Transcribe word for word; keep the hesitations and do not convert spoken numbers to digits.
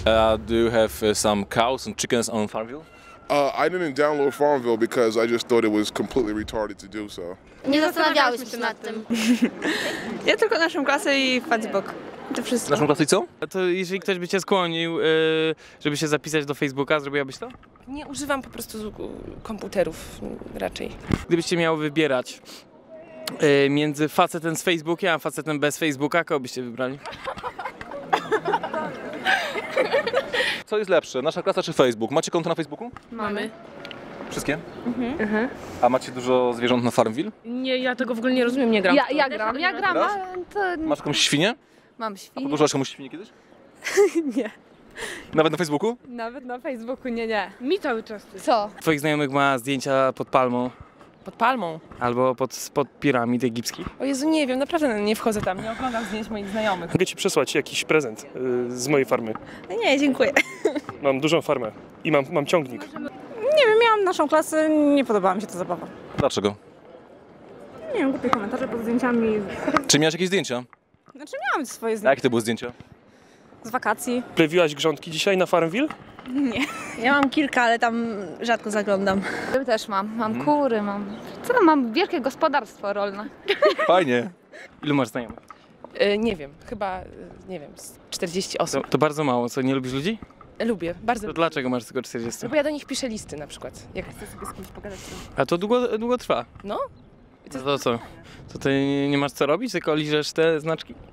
Uh, do you have uh, some cows and chickens on Farmville? Uh, I didn't download Farmville because I just thought it was completely retarded to do so. Nie zastanawiałyśmy się nad tym. Ja tylko naszą klasę i Facebook. To wszystko. Naszą klasę i co? To jeżeli ktoś by cię skłonił, żeby się zapisać do Facebooka, zrobiłabyś to? Nie używam po prostu komputerów raczej. Gdybyście miały wybierać między facetem z Facebookiem a facetem bez Facebooka, kogo byście wybrali? Co jest lepsze, nasza klasa czy Facebook? Macie konto na Facebooku? Mamy. Wszystkie? Mhm. A macie dużo zwierząt na Farmville? Nie, ja tego w ogóle nie rozumiem, nie gram. Ja, ja gram, ja gram, Grasz? ale to... Masz jakąś świnię? Mam A świnię. podłożyłaś komuś świnię kiedyś? Nie. Nawet na Facebooku? Nawet na Facebooku nie, nie. Mi cały czas. Co? Twoich znajomych ma zdjęcia pod palmą Pod palmą. albo pod, pod piramid egipskich? O Jezu, nie wiem, naprawdę nie wchodzę tam, nie oglądam zdjęć moich znajomych. Mogę ci przesłać jakiś prezent y, z mojej farmy. Nie, dziękuję. Mam dużą farmę i mam, mam ciągnik. Nie wiem, miałam naszą klasę, nie podobała mi się ta zabawa. Dlaczego? Nie wiem, głupie komentarze pod zdjęciami. Czy miałeś jakieś zdjęcia? Znaczy miałam swoje A zdjęcia jakie to były zdjęcia? z wakacji. Plewiłaś grządki dzisiaj na Farmville? Ja mam kilka, ale tam rzadko zaglądam. Ja też mam. Mam kury, mam... Co tam mam? Wielkie gospodarstwo rolne. Fajnie. Ilu masz znajomych? E, nie wiem, chyba, e, nie wiem, z czterdzieści To, osób. to bardzo mało, co? Nie lubisz ludzi? Lubię, bardzo To lubię. dlaczego masz tylko czterdzieści? Bo ja do nich piszę listy na przykład, jak chcę sobie z kimś pogadać. A to długo, długo trwa. No. To, to co? To ty nie, nie masz co robić, tylko liżesz te znaczki?